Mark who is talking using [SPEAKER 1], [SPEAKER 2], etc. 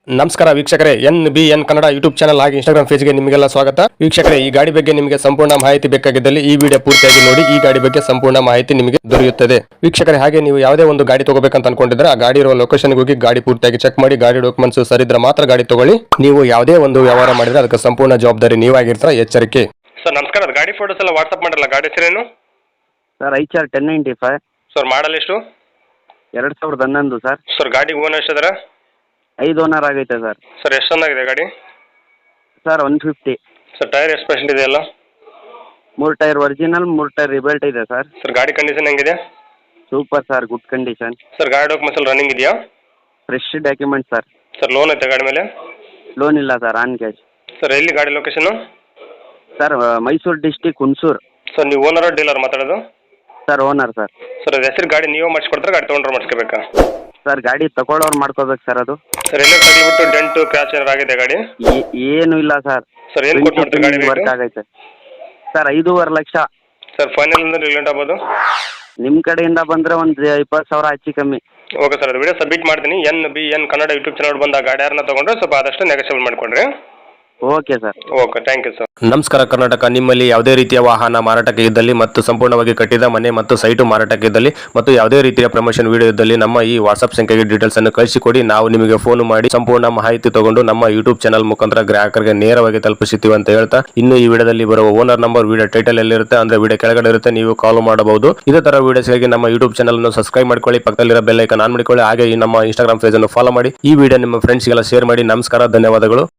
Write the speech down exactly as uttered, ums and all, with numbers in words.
[SPEAKER 1] ನಮಸ್ಕಾರ ವೀಕ್ಷಕರೇ, N B N Kannada YouTube channel ಹಾಗೆ ಇನ್ಸ್ಟಾಗ್ರಾಮ್ ಪೇಜ್ಗೆ ನಿಮಗೆಲ್ಲ ಸ್ವಾಗತ. ವೀಕ್ಷಕರೇ, ಈ ಗಾಡಿ ಬಗ್ಗೆ ನಿಮಗೆ ಸಂಪೂರ್ಣ ಮಾಹಿತಿ ಬೇಕಾಗಿದ್ದಲ್ಲಿ ಈ ವಿಡಿಯೋ ಪೂರ್ತಿಯಾಗಿ ನೋಡಿ. ಈ ಗಾಡಿ ಬಗ್ಗೆ ಸಂಪೂರ್ಣ ಮಾಹಿತಿ ನಿಮಗೆ ದೊರೆಯುತ್ತದೆ. ವೀಕ್ಷಕರೇ, ಹಾಗೆ ನೀವು ಯಾವುದೇ ಒಂದು ಗಾಡಿ ತಗೋಬೇಕಂತ ಅನ್ಕೊಂಡಿದ್ರೆ ಆ ಗಾಡಿ ಇರುವ ಲೊಕೇಶನ್ಗೆ ಹೋಗಿ ಗಾಡಿ ಪೂರ್ತಿಯಾಗಿ ಚೆಕ್ ಮಾಡಿ ಗಾಡಿ ಡಾಕ್ಯುಮೆಂಟ್ಸ್ ಸರಿದ್ರೆ ಮಾತ್ರ ಗಾಡಿ ತಗೊಳ್ಳಿ. ನೀವು ಯಾವುದೇ ಒಂದು ವ್ಯವಹಾರ ಮಾಡಿದ್ರೆ ಅದಕ್ಕೆ ಸಂಪೂರ್ಣ ಜವಾಬ್ದಾರಿ ನೀವಾಗಿರ್ತೀರ, ಎಚ್ಚರಿಕೆ. ಸರ್ ನಮಸ್ಕಾರ, ಅದು ಗಾಡಿ ಫೋಟೋಸ್ ಎಲ್ಲ ವಾಟ್ಸ್ಆಪ್ ಮಾಡಲ್ಲ. ಗಾಡಿ ಹೆಸರೇನು
[SPEAKER 2] sir? I R ten ninety five
[SPEAKER 1] sir? Model ಎಷ್ಟು?
[SPEAKER 2] ಎರಡು ಸಾವಿರದ ಹನ್ನೊಂದು ಸರ್.
[SPEAKER 1] ಸರ್ ಗಾಡಿ ಓನ್ ಎಷ್ಟಿದಾರ?
[SPEAKER 2] ಐದು ಓನರ್ ಆಗೈತೆ ಸರ್.
[SPEAKER 1] ಸರ್ ಎಷ್ಟು ಚೆನ್ನಾಗಿದೆ ಗಾಡಿ?
[SPEAKER 2] Sir one fifty.
[SPEAKER 1] Sir tyre ಎಷ್ಟು ಪರ್ಸೆಂಟ್ ಇದೆ? ಎಲ್ಲ
[SPEAKER 2] ಮೂರು ಟೈರ್ ಒರಿಜಿನಲ್, ಮೂರು ಟೈರ್ ರಿಬಲ್ಟ್ ಇದೆ ಸರ್.
[SPEAKER 1] ಸರ್ ಗಾಡಿ ಕಂಡೀಷನ್ ಹೆಂಗಿದೆ?
[SPEAKER 2] Super sir, good condition.
[SPEAKER 1] Sir ಗಾಡಿ ಡಾಕ್ಯುಮೆಂಟ್ಸ್ ಎಲ್ಲ ರನ್ನಿಂಗ್ ಇದೆಯಾ?
[SPEAKER 2] Fresh document sir.
[SPEAKER 1] Sir loan ಐತೆ ಗಾಡಿ ಮೇಲೆ?
[SPEAKER 2] ಲೋನ್ ಇಲ್ಲ ಸರ್, ಆನ್ ಕ್ಯಾಶ್.
[SPEAKER 1] ಸರ್ ಎಲ್ಲಿ ಗಾಡಿ location?
[SPEAKER 2] Sir Mysuru district Hunsur.
[SPEAKER 1] Sir ನೀವು ಓನರ್ ಡೀಲರ್ ಮಾತಾಡೋದು?
[SPEAKER 2] Sir owner sir.
[SPEAKER 1] ಸರ್ ಅದು ಹೆಸರು ಗಾಡಿ ನೀವು ಮಾಡಿಸ್ಕೊಡ್ತಾರೆ, ಗಾಡಿ ತೊಗೊಂಡ್ರೆ ಮಾಡಿಸ್ಕೋಬೇಕಾ?
[SPEAKER 2] ಸರ್ ಗಾಡಿ ತಗೊಳ್ಳೋರು ಮಾಡ್ಕೋಬೇಕು ಸರ್. ಅದು
[SPEAKER 1] ಸರ್ ಎಲ್ಲ ತಗ್ಲಿಬಿಟ್ಟು ಡೆಂಟು ಕ್ರ್ಯಾಚ್ ಏನಾರು ಆಗಿದೆ ಗಾಡಿ?
[SPEAKER 2] ಏ- ಏನು ಇಲ್ಲ ಸರ್.
[SPEAKER 1] ಸರ್ ಏನು ಕೊಟ್ಟು ಮಾಡ್ತೀವಿ ಗಾಡಿ
[SPEAKER 2] ವರ್ಕ್
[SPEAKER 1] ರೇಟು?
[SPEAKER 2] ಆಗೈತೆ ಸರ್. ಐದೂವರೆ ಲಕ್ಷ.
[SPEAKER 1] ಸರ್ ಫೈನಲ್ ಅಂದ್ರೆ ರಿಲೇಟ್ ಆಗ್ಬೋದು?
[SPEAKER 2] ನಿಮ್ಮ ಕಡೆಯಿಂದ ಬಂದರೆ ಒಂದು ಇಪ್ಪತ್ತು ಸಾವಿರ ಹೆಚ್ಚು ಕಮ್ಮಿ.
[SPEAKER 1] ಓಕೆ ಸರ್, ಅದು ವಿಡಿಯೋ ಸಬ್ಮಿಟ್ ಮಾಡ್ತೀನಿ. N B N Kannada YouTube channel ಬಂದ ಗಾಡಿ ಯಾರನ್ನ ತೊಗೊಂಡ್ರೆ ಸ್ವಲ್ಪ ಆದಷ್ಟು ನೆಗೋಷಿಯೇಟ್ ಮಾಡಿಕೊಡ್ರಿ.
[SPEAKER 2] Okay sir.
[SPEAKER 1] Okay, thank you sir. ನಮಸ್ಕಾರ ಕರ್ನಾಟಕ. ನಿಮ್ಮಲ್ಲಿ ಯಾವುದೇ ರೀತಿಯ ವಾಹನ ಮಾರಾಟಕ್ಕೆ ಇದ್ದಲ್ಲಿ ಮತ್ತು ಸಂಪೂರ್ಣವಾಗಿ ಕಟ್ಟಿದ ಮನೆ ಮತ್ತು ಸೈಟು ಮಾರಾಟಕ್ಕೆ ಇದ್ದಲ್ಲಿ ಮತ್ತು ಯಾವುದೇ ರೀತಿಯ ಪ್ರಮೋಷನ್ ವಿಡಿಯೋ ಇದ್ದಲ್ಲಿ ನಮ್ಮ ಈ ವಾಟ್ಸ್ಆಪ್ ಸಂಖ್ಯೆಗೆ ಡೀಟೇಲ್ಸ್ ಅನ್ನು ಕಳಿಸಿಕೊಡಿ. ನಾವು ನಿಮಗೆ ಫೋನ್ ಮಾಡಿ ಸಂಪೂರ್ಣ ಮಾಹಿತಿ ತಗೊಂಡು ನಮ್ಮ ಯೂಟ್ಯೂಬ್ ಚಾನಲ್ ಮುಖಾಂತರ ಗ್ರಾಹಕರಿಗೆ ನೇರವಾಗಿ ತಲುಪಿಸುತ್ತೀವಿ ಅಂತ ಹೇಳ್ತಾ, ಇನ್ನು ಈ ವಿಡಿಯೋದಲ್ಲಿ ಬರುವ ಓನರ್ ನಂಬರ್ ವಿಡಿಯೋ ಟೈಟಲ್ ಎಲ್ಲಿರುತ್ತೆ ಅಂದ್ರೆ ವಿಡಿಯೋ ಕೆಳಗಡೆ ಇರುತ್ತೆ, ನೀವು ಕಾಲ್ ಮಾಡಬಹುದು. ಇದೇ ತರ ವಿಡಿಯೋಸ್ಗಾಗಿ ನಮ್ಮ ಯೂಟ್ಯೂಬ್ ಚಾನಲ್ ಅನ್ನು ಸಬ್ಸ್ಕ್ರೈಬ್ ಮಾಡ್ಕೊಳ್ಳಿ, ಪಕ್ಕದಲ್ಲಿರೋ ಬೆಲ್ ಐಕಾನ್ ಆನ್ ಮಾಡಿಕೊಳ್ಳಿ. ಹಾಗೆ ಈ ನಮ್ಮ ಇನ್ಸ್ಟಾಗ್ರಾಮ್ ಪೇಜ್ ಅನ್ನು ಫಾಲೋ ಮಾಡಿ. ಈ ವಿಡಿಯೋ ನಿಮ್ಮ ಫ್ರೆಂಡ್ಸ್ಗೆಲ್ಲ ಶೇರ್ ಮಾಡಿ. ನಮಸ್ಕಾರ, ಧನ್ಯವಾದಗಳು.